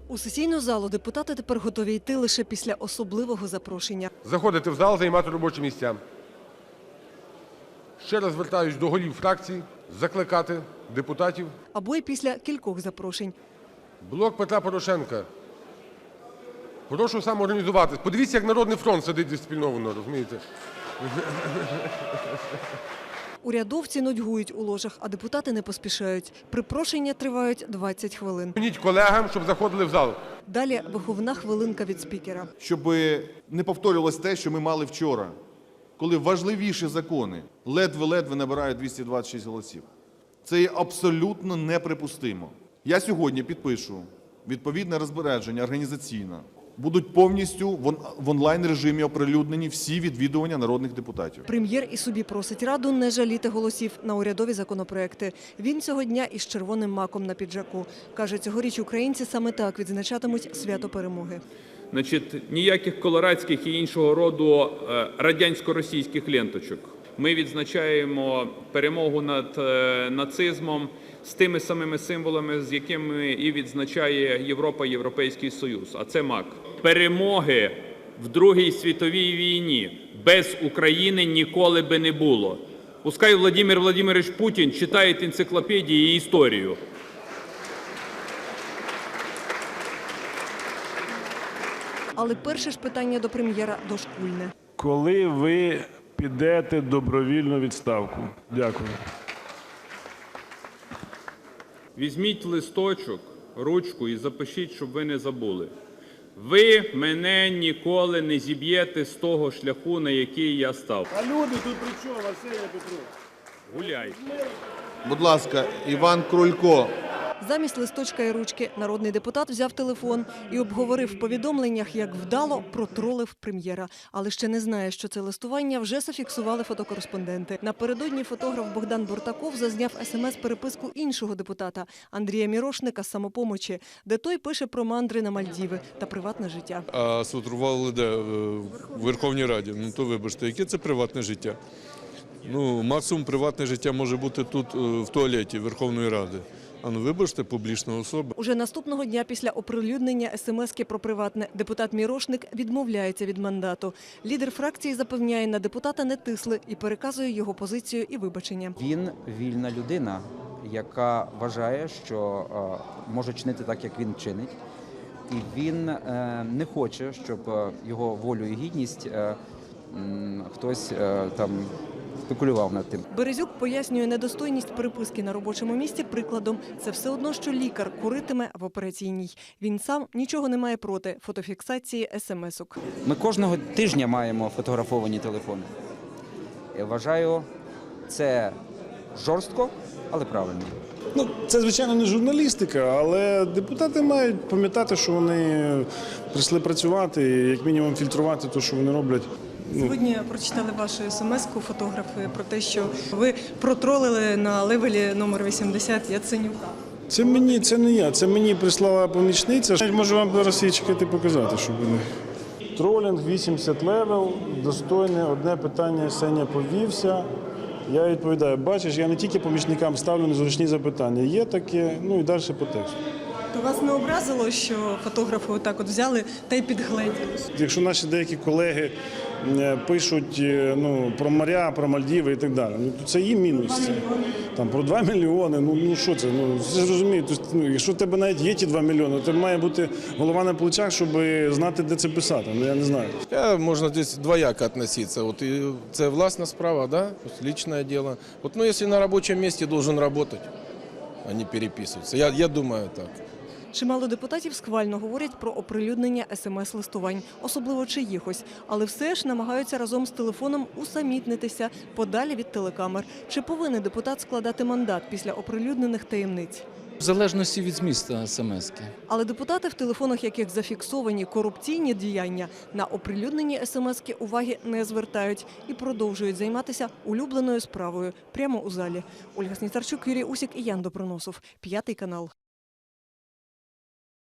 У сесійну залу депутати тепер готові йти лише після особливого запрошення. Заходити в зал, займати робочі місця. Ще раз звертаюсь до голів фракцій, закликати депутатів. Або й після кількох запрошень. Блок Петра Порошенка. Прошу самоорганізуватись. Подивіться, як Народний фронт сидить дисципліновано, розумієте? Урядовці нудьгують у ложах, а депутати не поспішають. Припрошення тривають 20 хвилин. Дзвоніть колегам, щоб заходили в зал. Далі виховна хвилинка від спікера. Щоб не повторювалось те, що ми мали вчора, коли важливіші закони ледве-ледве набирають 226 голосів. Це є абсолютно неприпустимо. Я сьогодні підпишу відповідне розпорядження організаційне. Будуть повністю в онлайн-режимі оприлюднені всі відвідування народних депутатів. Прем'єр і собі просить Раду не жаліти голосів на урядові законопроекти. Він цього дня із червоним маком на піджаку. Каже, цьогоріч українці саме так відзначатимуть свято перемоги. Ніяких колорадських і іншого роду радянсько-російських ленточок. Ми відзначаємо перемогу над нацизмом з тими самими символами, з якими і відзначає Європа, Європейський Союз. А це мак. Перемоги в Другій світовій війні без України ніколи би не було. Пускай Володимир Владимирович Путін читає енциклопедії і історію. Але перше ж питання до прем'єра дошкульне. Коли ви підете добровільну відставку? Дякую. Візьміть листочок, ручку і запишіть, щоб ви не забули. Ви мене ніколи не зіб'єте з того шляху, на який я став. А люди тут при чому, Арсеній Петрович? Гуляй. Будь ласка, Іван Крулько. Замість листочка і ручки народний депутат взяв телефон і обговорив в повідомленнях, як вдало протролив прем'єра. Але ще не знає, що це листування вже зафіксували фотокореспонденти. Напередодні фотограф Богдан Буртаков зазняв смс-переписку іншого депутата Андрія Мірошника з «Самопомочі», де той пише про мандри на Мальдіви та приватне життя. А сфотографували де? В Верховній Раді. Ну то вибачте, яке це приватне життя? Ну, максимум приватне життя може бути тут, в туалеті Верховної Ради. А ну вибачте, публічна особа. Уже наступного дня після оприлюднення смс-ки про приватне депутат Мірошник відмовляється від мандату. Лідер фракції запевняє, на депутата не тисли і переказує його позицію і вибачення. Він вільна людина, яка вважає, що може чинити так, як він чинить. І він не хоче, щоб його волю і гідність хтось там спекулював над тим. Березюк пояснює недостойність переписки на робочому місці прикладом. Це все одно, що лікар куритиме в операційній. Він сам нічого не має проти фотофіксації смс-ок. Ми кожного тижня маємо фотографовані телефони. Я вважаю, це жорстко, але правильно. Ну, це, звичайно, не журналістика, але депутати мають пам'ятати, що вони прийшли працювати і, як мінімум, фільтрувати те, що вони роблять. Сьогодні прочитали вашу смс-ку фотографи про те, що ви протролили на левелі номер 80 Яценюка. Це не я, це мені прислала помічниця. Я можу вам зараз її чекати показати, щоб ви не... Тролінг 80 левел, достойне, одне питання Сеня повівся. Я відповідаю, бачиш, я не тільки помічникам ставлю незручні запитання. Є таке, ну і далі по тексту. То вас не образило, що фотографи отак от взяли та й підгледіли? Якщо наші деякі колеги пишуть про моря, про Мальдіви і так далі, то це їм мінус. Там про 2 мільйони, ну що це? Це ж розумієте, якщо в тебе навіть є ті 2 мільйони, то має бути голова на плечах, щоб знати, де це писати. Ну я не знаю. Можна десь двояко відноситися. От це власна справа, да? Личное дело. От, ну, якщо на робочому місці должен працювати, а не переписуватися. Я думаю так. Чимало депутатів схвально говорять про оприлюднення смс-листувань, особливо чиїхось, але все ж намагаються разом з телефоном усамітнитися подалі від телекамер. Чи повинен депутат складати мандат після оприлюднених таємниць? В залежності від змісту смс-ки. Але депутати, в телефонах яких зафіксовані корупційні діяння, на оприлюднені смс-ки уваги не звертають і продовжують займатися улюбленою справою прямо у залі. Ольга Сніцарчук, Юрій Усік і Ян Доброносов. 5 канал.